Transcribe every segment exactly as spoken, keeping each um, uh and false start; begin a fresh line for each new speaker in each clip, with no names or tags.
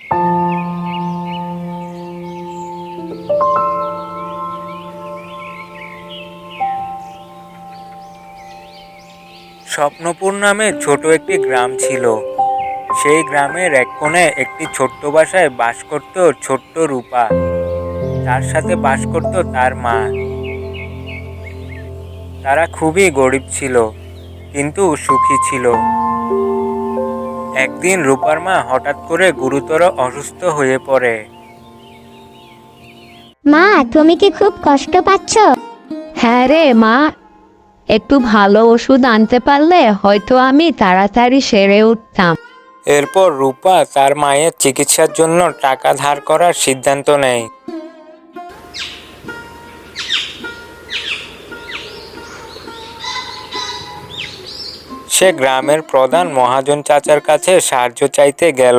স্বপ্নপুর নামে ছোট একটি গ্রাম ছিল। সেই গ্রামের এক কোণে একটি ছোট্ট বাসায় বাস করত ছোট্ট রূপা। তার সাথে বাস করত তার মা। তারা খুবই গরিব ছিল, কিন্তু সুখী ছিল। একদিন রূপার মা হঠাৎ করে গুরুতর অসুস্থ হয়ে পড়ে।
মা, তুমি কি খুব কষ্ট পাচ্ছ?
হ্যাঁ রে মা, একটু ভালো ওষুধ আনতে পারলে হয়তো আমি তাড়াতাড়ি সেরে উঠতাম।
এরপর রূপা তার মায়ের চিকিৎসার জন্য টাকা ধার করার সিদ্ধান্ত নেয়। সে গ্রামের প্রধান মহাজন চাচার কাছে সাহায্য চাইতে গেল।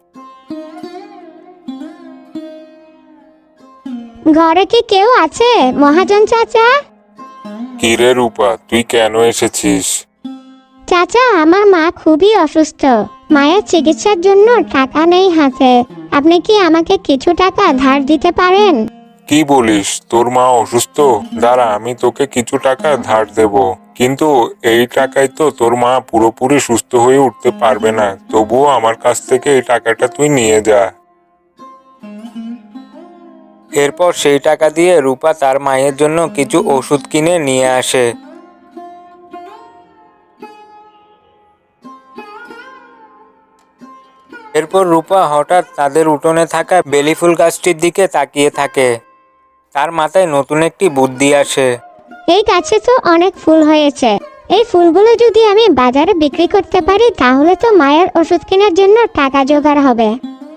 ঘরে কি কেউ আছে মহাজন চাচা?
কিরে রূপা, তুই কেন এসেছিস?
চাচা, আমার মা খুবই অসুস্থ। মায়ের চিকিৎসার জন্য টাকা নেই হাতে। আপনি কি আমাকে কিছু টাকা ধার দিতে পারেন?
কি বলিস, তোর মা অসুস্থ? দাঁড়া, আমি তোকে কিছু টাকা ধার দেব, কিন্তু এই টাকায় তো তোর মা পুরোপুরি সুস্থ হয়ে উঠতে পারবে না। তবুও আমার কাছ থেকে এই টাকাটা তুই নিয়ে যা।
এরপর সেই টাকা দিয়ে রূপা তার মায়ের জন্য কিছু ওষুধ কিনে নিয়ে আসে। এরপর রূপা হঠাৎ তাদের উঠোনে থাকা বেলি ফুল গাছটির দিকে তাকিয়ে থাকে। তার মাথায় নতুন একটি বুদ্ধি আসে।
এই গাছে তো অনেক ফুল হয়েছে। এই ফুলগুলো যদি আমি বাজারে বিক্রি করতে পারি, তাহলে তো মায়ের ওষুধ কেনার জন্য টাকা জোগাড় হবে।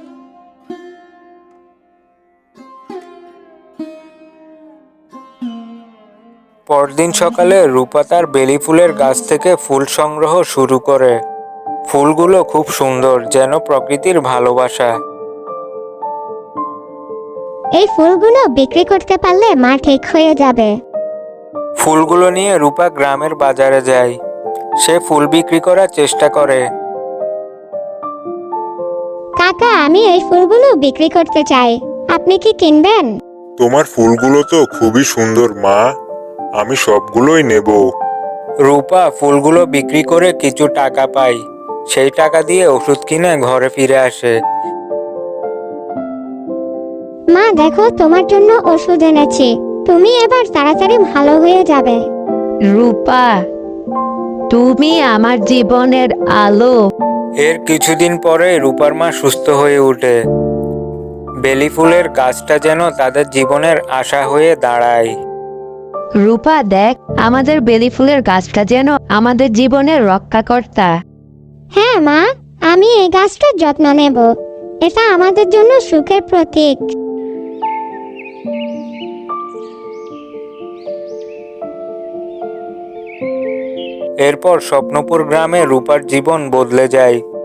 পরদিন সকালে রূপা তার বেলি ফুলের গাছ থেকে ফুল সংগ্রহ শুরু করে। ফুলগুলো খুব সুন্দর, যেন প্রকৃতির ভালোবাসা।
এই ফুলগুলো বিক্রি করতে পারলে মা ঠিক হয়ে যাবে।
ফুলগুলো নিয়ে রূপা গ্রামের বাজারে যায়। সে ফুল বিক্রি করার চেষ্টা করে।
কাকা, আমি এই ফুলগুলো বিক্রি করতে চাই, আপনি কি কিনবেন?
তোমার ফুলগুলো তো খুবই সুন্দর মা, আমি সবগুলোই নেব।
রূপা ফুলগুলো বিক্রি করে কিছু টাকা পায়। সেই টাকা দিয়ে ওষুধ কিনে ঘরে ফিরে আসে।
মা দেখো, তোমার জন্য ওষুধ এনেছি। তুমি এবার তাড়াতাড়ি ভালো হয়ে যাবে।
রূপা, তুমি আমার জীবনের আলো।
এর কিছুদিন পরে রূপার মা সুস্থ হয়ে ওঠে। বেলি ফুলের গাছটা যেন তাদের জীবনের আশা হয়ে দাঁড়ায়।
রূপা দেখ, আমাদের বেলি ফুলের গাছটা যেন আমাদের জীবনের রক্ষাকর্তা।
হ্যাঁ মা, আমি এই গাছটার যত্ন নেব। এটা আমাদের জন্য সুখের প্রতীক।
এরপর স্বপ্নপুর গ্রামে রূপার জীবন বদলে যায়।